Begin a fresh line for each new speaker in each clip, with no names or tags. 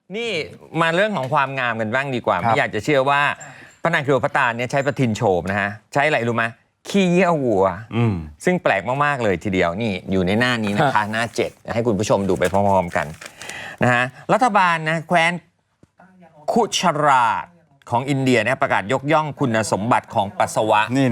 นี่มาเรื่องของความงามกันบ้างดีกว่าไม่อยากจะเชื่อว่าพระนางคลีโอพัตราเนี่ยใช้ประทินโฉมนะฮะใช้อะไรรู้ไหมขี้เยี่ยววัวซึ่งแปลกมากๆเลยทีเดียวนี่อยู่ในหน้านี้นะคะหน้า7ให้คุณผู้ชมดูไปพร้อมๆกันนะฮะรัฐบาลนะแคว้นคุชราตของอินเดียเนี่ยประกาศยกย่องคุณสมบัติของปัสสาวะ
นี่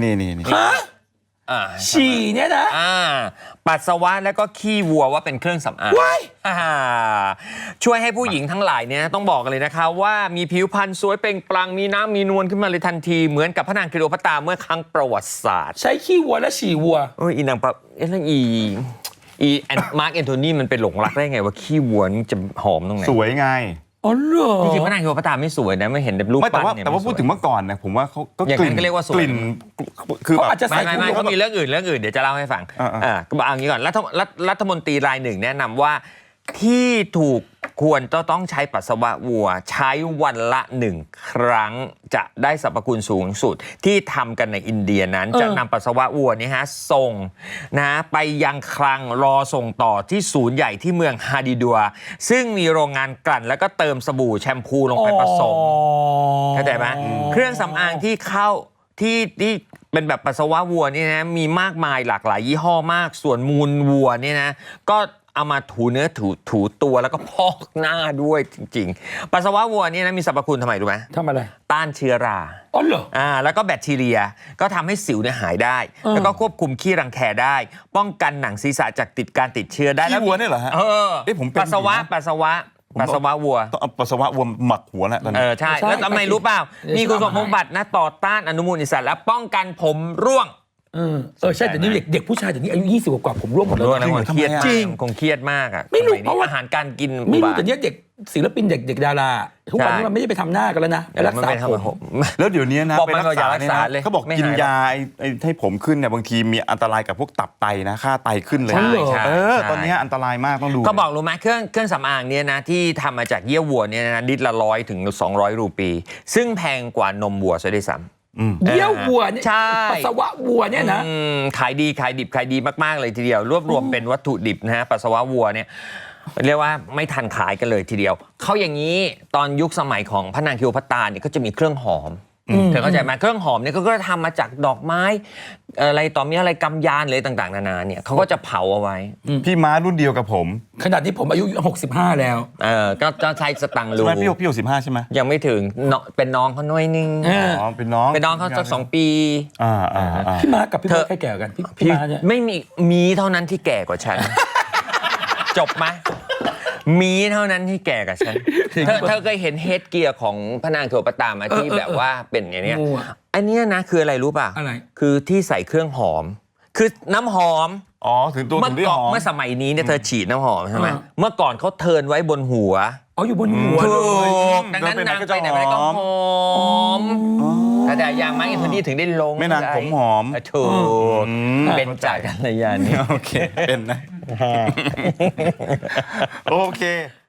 ฉี่เนี่ยนะ
ปัสสาวะแล้วก็ขี้วัวว่าเป็นเครื่องสำอางช่วยให้ผู้หญิงทั้งหลายเนี่ยต้องบอกกันเลยนะคะว่ามีผิวพรรณสวยเปล่งปลั่งมีน้ำมีนวลขึ้นมาเลยทันทีเหมือนกับพระนางคลีโอพัตราเมื่อครั้งประวัติศาสตร์
ใช้ขี้วัวและฉี่วัว
อีนางปะแล้วมาร์คแอนโทนีมันเป็นหลงรักได้ไงว่าขี้วัวนี่จะหอมตรงไหน
สวยไง
อ๋อเหรอ
จริงๆพระนางคลีโอพัตราไม่สวยนะไม่เห็นแต่รูปปั้นเนี่ย
แต่ว่าพูดถึงเมื่อก่อนนะผมว่าเขาก็
กลิ่น
คืออาจจะใส่
ไม่เขามีเรื่องอื่นเดี๋ยวจะเล่าให้ฟังก็บอกอย่างนี้ก่อนรัฐมนตรีรายหนึ่งแนะนำว่าที่ถูกควรต้องใช้ปัสสาวะวัวใช้วันละ1 ครั้งจะได้สรรพคุณสูงสุดที่ทำกันในอินเดียนั้นจะนำปัสสาวะวัวนี่ฮะส่งนะไปยังคลังรอส่งต่อที่ศูนย์ใหญ่ที่เมืองฮาดิดัวซึ่งมีโรงงานกลั่นแล้วก็เติมสบู่แชมพูลงไปผสมเข้าใจไหมเครื่องสำอางที่เข้าที่เป็นแบบปัสสาวะวัวนี่นะมีมากมายหลากหลายยี่ห้อมากส่วนมูลวัวนี่นะก็เอามาถูเนื้อถูตัวแล้วก็พอกหน้าด้วยจริงๆปัสสาวะวัวนี่นะมีสรรพคุณทำไมรู้ไหม
ทำอะไร
ต้านเชื้อรา
อ๋อเหรอ
แล้วก็แบคทีเรียก็ทำให้สิวเนี่ยหายได้แล้วก็ควบคุมขี้รังแคได้ป้องกันหนังศีรษะจากการติดเชื้อได้
แล้ววัวนี่เหรอฮะ
ผมปัสสาวะวัวปัสสาวะ
วัวหมักหัวแหละตอนนี้
ใช่แล้วทำไมรู้เปล่ามีคุณสมบัตินะต่อต้านอนุมูลอิสระและป้องกันผมร่วง
ใช่แต่นี่เด็กผู้ชายแต่นี้อายุ20 กว่าผมร่วงหมดแล้ว
นะเครียดจริงคงเครียดมากอ่ะ
ไม่รู้เพราะว่า
อาหารการกิน
ไม่รู้แต่เนี้ยเด็กศิลปินเด็กดาราทุกวันนี้มันไม่ได้ไปทำหน้ากันแล้วนะไปรักษาผม
แล้วเดี๋ยวนี้นะ
ไปรักษาเลย
เขาบอกกินยาให้ผมขึ้นเนี่ยบางทีมีอันตรายกับพวกตับไตนะค่าไตขึ้นเลยตอนนี้อันตรายมากต้องดู
เขาบอกรู้ไหมเครื่องสำอางเนี่ยนะที่ทำมาจากเยื่อวัวเนี่ยนะลิตรละ100 ถึง 200 รูปีซึ่งแพงกว่านมวัวซะด้วยซ้ำ
เยี่ยววัวเนี่ยปัสสาวะวัวเนี่ยนะ
ขายดีมากๆเลยทีเดียวรวบรวมเป็นวัตถุดิบนะฮะปัสสาวะวัวเนี่ยเรียกว่าไม่ทันขายกันเลยทีเดียวเขาอย่างนี้ตอนยุคสมัยของพระนางคลีโอพัตราเนี่ยก็จะมีเครื่องหอมเธอเข้าใจไหมเครื่องหอมเนี่ยก็ทำมาจากดอกไม้อะไรต่อมีอะไรกำยานเลยต่างๆนานาเนี่ยเขาก็จะเผาเอาไว้
พี่ม้ารุ่นเดียวกับผม
ขนาดนี้ผมอายุ65แล้ว
ก็ใช้สตังค์รู
พี่65ใช่ไหม
ยังไม่ถึงเป็นน้องเขาหน่อยนึง
เป็นน้อง
เขาสัก2 ปี
พี่ม้ากับพี่ม้าใครแก่กันพี่ม้าเนี่ย
ไม่มีเท่านั้นที่แก่กว่าฉันจบไหมมีเท่านั้นที่แก่กับฉันเธอเคยเห็นเฮดเกียร์ของพระนางคลีโอพัตรามาที่แบบว่าเป็นอย่างนี้อันนี้นะคืออะไรรู้ป่ะ
อะไร
คือที่ใส่เครื่องหอมคือน้ำหอม
ถึงตัวถึงได้หอม
เมื่อสมัยนี้เนี่ยเธอฉีดน้ำหอมใช่ไหมเมื่อก่อนเขาเทิร์นไว้บนหัว
อยู่บนหัว
ดังนั้นนางไปไหนก็หอมแต่อย่างไม้อินทนีถึงได้ลง
ไม่นางผมหอม
ถูกเป็นจากกัลยาณมิตร
โอเคเป็นนะโอเค